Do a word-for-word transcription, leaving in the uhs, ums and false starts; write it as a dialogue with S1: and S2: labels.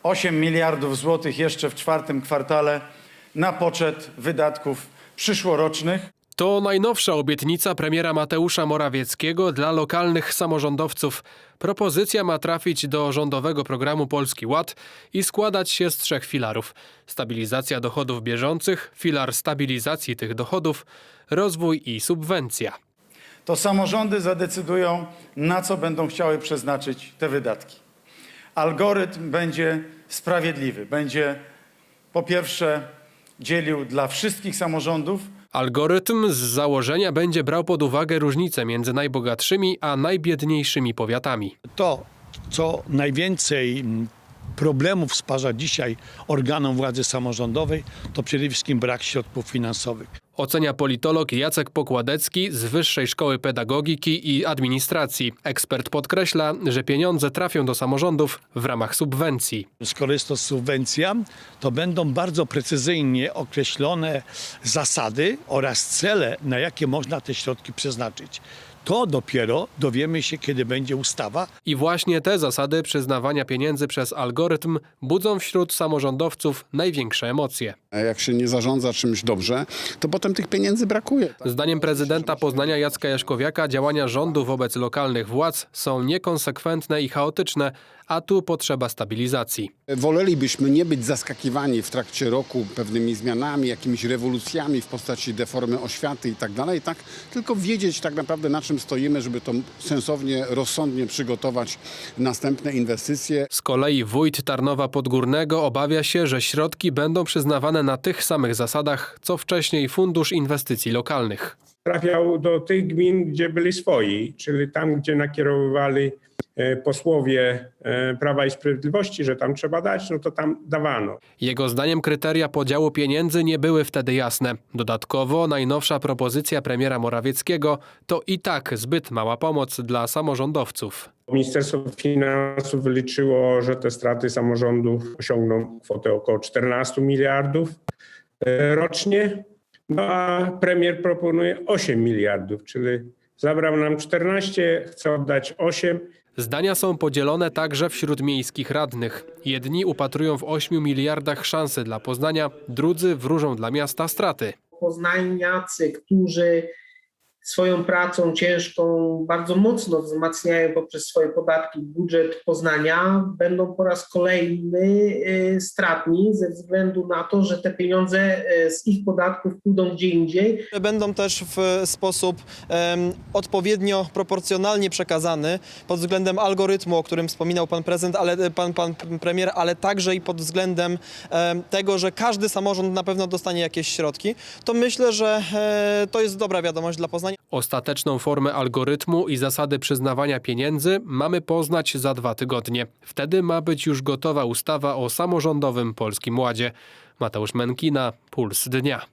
S1: osiem miliardów złotych jeszcze w czwartym kwartale na poczet wydatków przyszłorocznych.
S2: To najnowsza obietnica premiera Mateusza Morawieckiego dla lokalnych samorządowców. Propozycja ma trafić do rządowego programu Polski Ład i składać się z trzech filarów. Stabilizacja dochodów bieżących, filar stabilizacji tych dochodów, rozwój i subwencja.
S1: To samorządy zadecydują, na co będą chciały przeznaczyć te wydatki. Algorytm będzie sprawiedliwy. Będzie po pierwsze dzielił dla wszystkich samorządów.
S2: Algorytm z założenia będzie brał pod uwagę różnice między najbogatszymi a najbiedniejszymi powiatami.
S3: To, co najwięcej problemów stwarza dzisiaj organom władzy samorządowej, to przede wszystkim brak środków finansowych.
S2: Ocenia politolog Jacek Pokładecki z Wyższej Szkoły Pedagogiki i Administracji. Ekspert podkreśla, że pieniądze trafią do samorządów w ramach subwencji.
S3: Skoro jest to subwencja, to będą bardzo precyzyjnie określone zasady oraz cele, na jakie można te środki przeznaczyć. To dopiero dowiemy się, kiedy będzie ustawa.
S2: I właśnie te zasady przyznawania pieniędzy przez algorytm budzą wśród samorządowców największe emocje.
S4: Jak się nie zarządza czymś dobrze, to potem tych pieniędzy brakuje.
S2: Zdaniem prezydenta Poznania Jacka Jaśkowiaka działania rządu wobec lokalnych władz są niekonsekwentne i chaotyczne, a tu potrzeba stabilizacji.
S4: Wolelibyśmy nie być zaskakiwani w trakcie roku pewnymi zmianami, jakimiś rewolucjami w postaci deformy oświaty i tak dalej, tak? Tylko wiedzieć tak naprawdę, na czym stoimy, żeby to sensownie, rozsądnie przygotować następne inwestycje.
S2: Z kolei wójt Tarnowa Podgórnego obawia się, że środki będą przyznawane na tych samych zasadach, co wcześniej Fundusz Inwestycji Lokalnych.
S5: Trafiał do tych gmin, gdzie byli swoi, czyli tam, gdzie nakierowywali posłowie Prawa i Sprawiedliwości, że tam trzeba dać, no to tam dawano.
S2: Jego zdaniem kryteria podziału pieniędzy nie były wtedy jasne. Dodatkowo najnowsza propozycja premiera Morawieckiego to i tak zbyt mała pomoc dla samorządowców.
S5: Ministerstwo Finansów wyliczyło, że te straty samorządów osiągną kwotę około czternastu miliardów rocznie, no a premier proponuje osiem miliardów, czyli zabrał nam czternaście, chce oddać osiem.
S2: Zdania są podzielone także wśród miejskich radnych. Jedni upatrują w ośmiu miliardach szansy dla Poznania, drudzy wróżą dla miasta straty.
S6: Poznaniacy, którzy swoją pracą ciężką bardzo mocno wzmacniają poprzez swoje podatki budżet Poznania, będą po raz kolejny stratni ze względu na to, że te pieniądze z ich podatków pójdą gdzie indziej.
S7: Będą też w sposób um, odpowiednio proporcjonalnie przekazane pod względem algorytmu, o którym wspominał pan prezydent, ale pan, pan premier, ale także i pod względem um, tego, że każdy samorząd na pewno dostanie jakieś środki. To myślę, że e, to jest dobra wiadomość dla Poznania.
S2: Ostateczną formę algorytmu i zasady przyznawania pieniędzy mamy poznać za dwa tygodnie. Wtedy ma być już gotowa ustawa o samorządowym Polskim Ładzie. Mateusz Menkina, Puls Dnia.